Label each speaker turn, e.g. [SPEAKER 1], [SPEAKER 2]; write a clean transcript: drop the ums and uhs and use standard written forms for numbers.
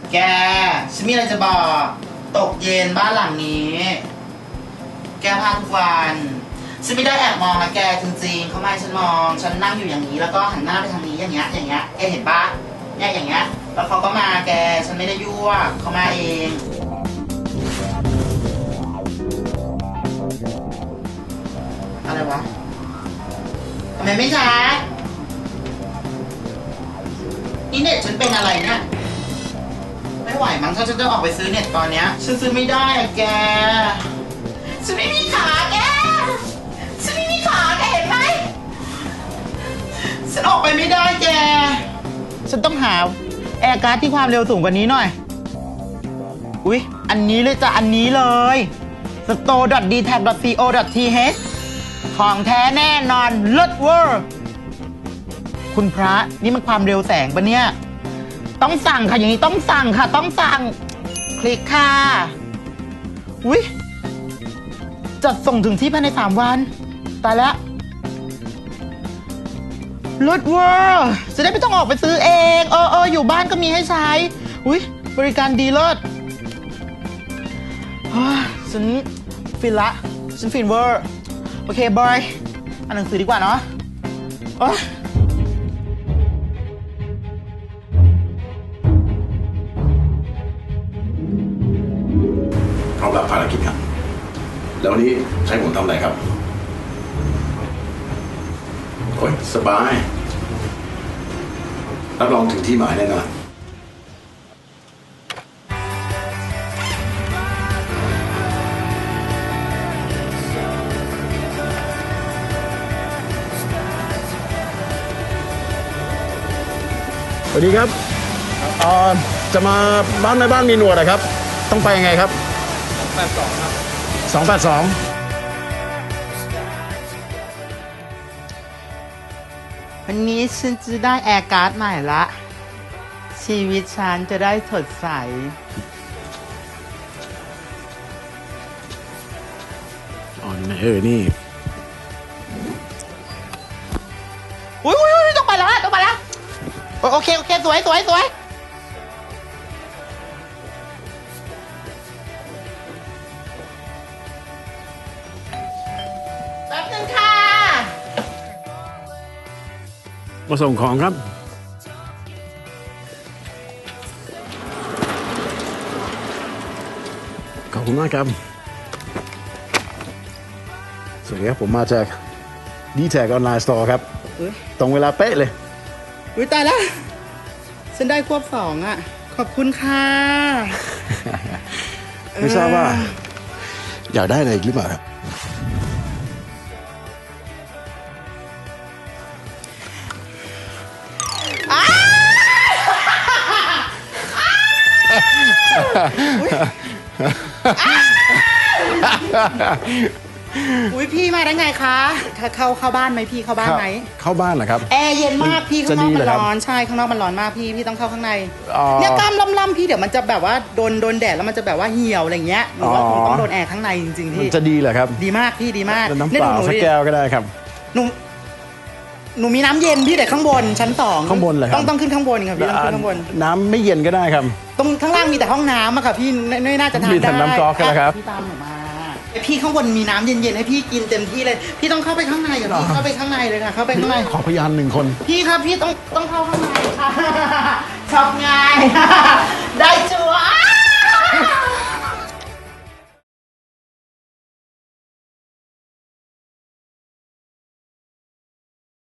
[SPEAKER 1] แกฉันมีอะไรจะบอกตกเย็นบ้านหลังนี้ แกพาทุกวันฉันไม่ได้แอบมองนะแกจริงๆเขาไม่ฉันมองฉันนั่งอยู่อย่างนี้แล้วก็หันหน้าไปทางนี้อย่างเงี้ยแกเห็นปะเนี่ยอย่างเงี้ยแล้วเขาก็มาแกฉันไม่ได้ยั่วเขามาเองอะไรวะทำไมไม่ชัดนี่เน็ตฉันเป็นอะไรเนี่ยไม่ไหวมั้งถ้าฉันจะออกไปซื้อเน็ตตอนเนี้ยฉันซื้อไม่ได้อะแกฉันไม่มีขาแกฉันไม่มีขาแกเห็นไหมฉันออกไปไม่ได้แกฉันต้องหาแอร์การ์ดที่ความเร็วสูงกว่านี้หน่อยอุ๊ยอันนี้เลยจ้ะอันนี้เลย store.dtag.co.th ของแท้แน่นอนเลิศเวอร์คุณพระนี่มันความเร็วแสงปะเนี่ยต้องสั่งค่ะอย่างนี้ต้องสั่งค่ะต้องสั่งคลิกค่ะอุ๊ยจัดส่งถึงที่ภายใน3 วันตายแล้วเลิศเวอร์จะได้ไม่ต้องออกไปซื้อเองอยู่บ้านก็มีให้ใช้อุ๊ยบริการดีเลิศฉันฟินละฉันฟินเวอร์โอเคบอยอ่านหนังสือดีกว่าเนาะ
[SPEAKER 2] พร้อมรับภารกิจครับแล้ววันนี้ใช้ผมทำอะไรครับโอ้ยสบายรับรองถึงที่หมายแน่นอนสวัสดีครับจะมาบ้านแม่บ้านมีหนวดนะครับต้องไปยังไงครับ282ครับ282
[SPEAKER 1] วันนี้ฉันจะได้แอร์การ์ดใหม่ละชีวิตฉันจะได้สดใส
[SPEAKER 2] นี่
[SPEAKER 1] อุ้ยต้องไปแล้วโอเคสวยแป๊บนึงค่ะ
[SPEAKER 2] มาส่งของครับขอบคุณมากครับสวัสดีครับผมมาจาก DTag ออนไลน์สโตร์ครับตรงเวลาเป๊ะเลย
[SPEAKER 1] อุ้ยตายแล้วฉันได้ควบ2อ่ะขอบคุณค่ะ
[SPEAKER 2] ไม่ทราบว่าอยากได้อะไรอีกหรือเปล่าครับ
[SPEAKER 1] อุ้ยพี่มาได้ไงคะเข้าบ้านไหมพี่เข้าบ้านไหม
[SPEAKER 2] เข้าบ้านเหรอครับ
[SPEAKER 1] แอร์เย็นมากพี่ข้างนอกมันร้อนใช่ข้างนอกมันร้อนมากพี่ต้องเข้าข้างในเนี่ยกล้ามล่ำๆพี่เดี๋ยวมันจะแบบว่าโดนแดดแล้วมันจะแบบว่าเหี่ยวอะไรเงี้ยหนูว่าคงต้องโดนแอร์ข้างในจริงๆพี่
[SPEAKER 2] จะดีเหรอครับ
[SPEAKER 1] ดีมากพี่ดีมาก
[SPEAKER 2] น้ำเปล่าสักแก้วก็ได้ครับ
[SPEAKER 1] หนูมีน้ำเย็นพี่แต่ข้างบนชั้น2
[SPEAKER 2] ข้างบนเหรอครับ
[SPEAKER 1] ต้องขึ้นข้างบนครับพี่ต้องขึ้นข้างบน
[SPEAKER 2] น้ำไม่เย็นก็ได้ครับ
[SPEAKER 1] ตรงข้างล่างมีแต่ห้องน้ำอะค่ะพี่ไม่น่าจะทานได้
[SPEAKER 2] มีแต่น้ำก๊อกกันนะครับ
[SPEAKER 1] พี่ตามหนูมาพี่ข้างบนมีน้ำเย็นๆให้พี่กินเต็มที่เลยพี่ต้องเข้าไปข้างในอ่ะพี่เข้าไปข้างในเลยค่ะเข้าไปข้างใน
[SPEAKER 2] ขอพยาน1 คน
[SPEAKER 1] พี่ครับพี่ต้องเข้าข้างในค่ะชอบง่าย